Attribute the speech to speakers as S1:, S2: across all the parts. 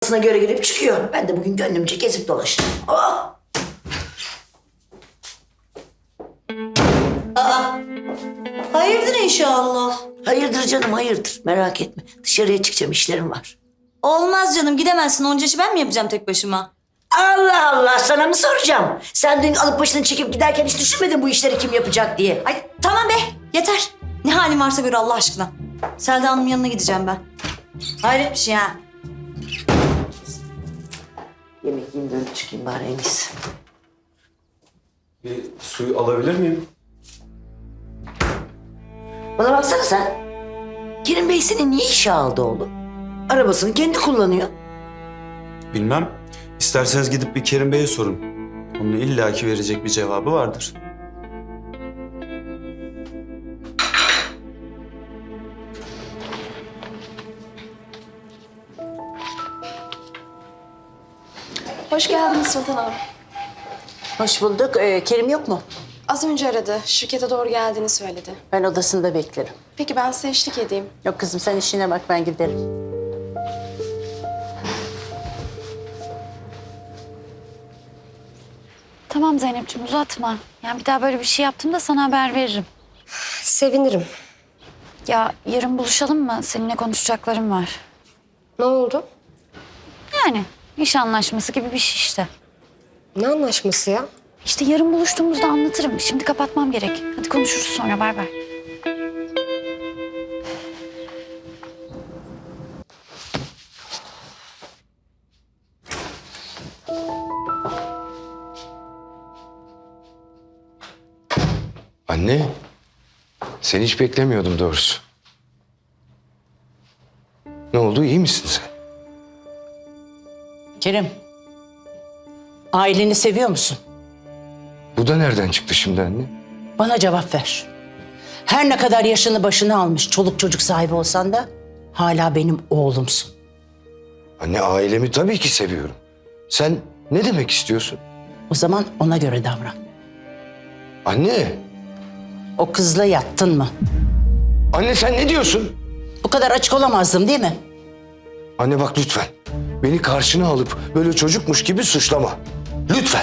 S1: kafasına göre girip çıkıyor. Ben de bugün gönlümce gezip dolaştım. Oh!
S2: Hayırdır inşallah.
S1: Hayırdır canım, hayırdır. Merak etme. Dışarıya çıkacağım, işlerim var.
S2: Olmaz canım, gidemezsin. Onca işi ben mi yapacağım tek başıma?
S1: Allah Allah, sana mı soracağım? Sen dün alıp başını çekip giderken hiç düşünmedin bu işleri kim yapacak diye.
S2: Ay tamam be, yeter. Ne halin varsa gör Allah aşkına. Selda Hanım'ın yanına gideceğim ben. Hayret bir şey ha.
S1: Yemek yiyeyim, dönüp çıkayım bari en iyisi.
S3: Bir suyu alabilir miyim?
S1: Bana baksana sen. Kerim Bey seni niye işe aldı oğlum? Arabasını kendi kullanıyor.
S3: Bilmem. İsterseniz gidip bir Kerim Bey'e sorun. Onun illaki verecek bir cevabı vardır.
S4: Hoş geldiniz Sultan Hanım.
S1: Hoş bulduk. Kerim yok mu?
S4: Az önce aradı. Şirkete doğru geldiğini söyledi.
S1: Ben odasında beklerim.
S4: Peki ben size eşlik edeyim.
S1: Yok kızım, sen işine bak, ben giderim.
S5: Tamam Zeynep'ciğim uzatma. Yani bir daha böyle bir şey yaptığımda sana haber veririm.
S6: Sevinirim.
S5: Ya yarın buluşalım mı? Seninle konuşacaklarım var.
S6: Ne oldu?
S5: Yani iş anlaşması gibi bir şey işte.
S6: Ne anlaşması ya?
S5: İşte yarın buluştuğumuzda anlatırım. Şimdi kapatmam gerek. Hadi konuşuruz sonra. Bay bay.
S7: Anne, seni hiç beklemiyordum doğrusu. Ne oldu, iyi misin sen?
S1: Kerim, aileni seviyor musun?
S7: Bu da nereden çıktı şimdi anne?
S1: Bana cevap ver. Her ne kadar yaşını başına almış, çoluk çocuk sahibi olsan da hala benim oğlumsun.
S7: Anne, ailemi tabii ki seviyorum. Sen ne demek istiyorsun?
S1: O zaman ona göre davran.
S7: Anne,
S1: O kızla yattın mı?
S7: anne sen ne diyorsun?
S1: Bu kadar açık olamazdım değil mi?
S7: Anne bak lütfen. Beni karşına alıp böyle çocukmuş gibi suçlama. Lütfen.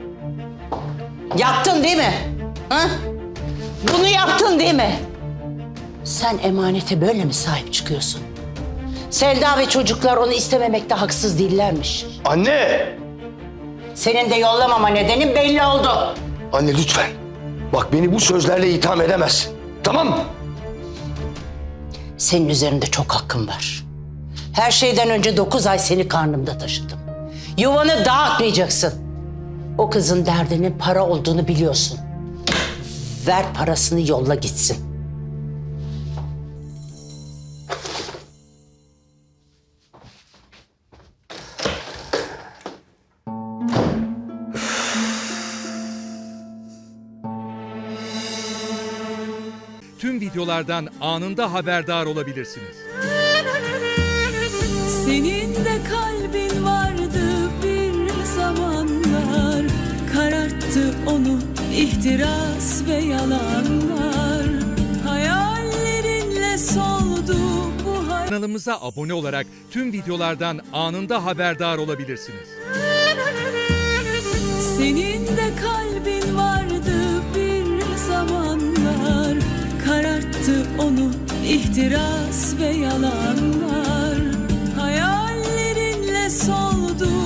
S1: Yaptın değil mi? Ha? Bunu yaptın değil mi? Sen emanete böyle mi sahip çıkıyorsun? Selda ve çocuklar onu istememekte haksız değillermiş.
S7: Anne!
S1: Senin de yollamama nedenin belli oldu.
S7: Anne lütfen. Bak beni bu sözlerle itham edemezsin. Tamam mı?
S1: Senin üzerinde çok hakkım var. Her şeyden önce 9 ay seni karnımda taşıdım. Yuvanı dağıtmayacaksın. O kızın derdinin para olduğunu biliyorsun. Ver parasını, yolla gitsin.
S8: Tüm videolardan anında haberdar olabilirsiniz.
S9: Senin de kalbin vardı bir zamanlar, kararttı onu ihtiras ve yalanlar. Hayallerinle soldu bu hayat.
S8: Kanalımıza abone olarak tüm videolardan anında haberdar olabilirsiniz.
S9: Senin de kalbin vardı bir zamanlar, kararttı onu ihtiras ve yalanlar. Hayallerinle soldu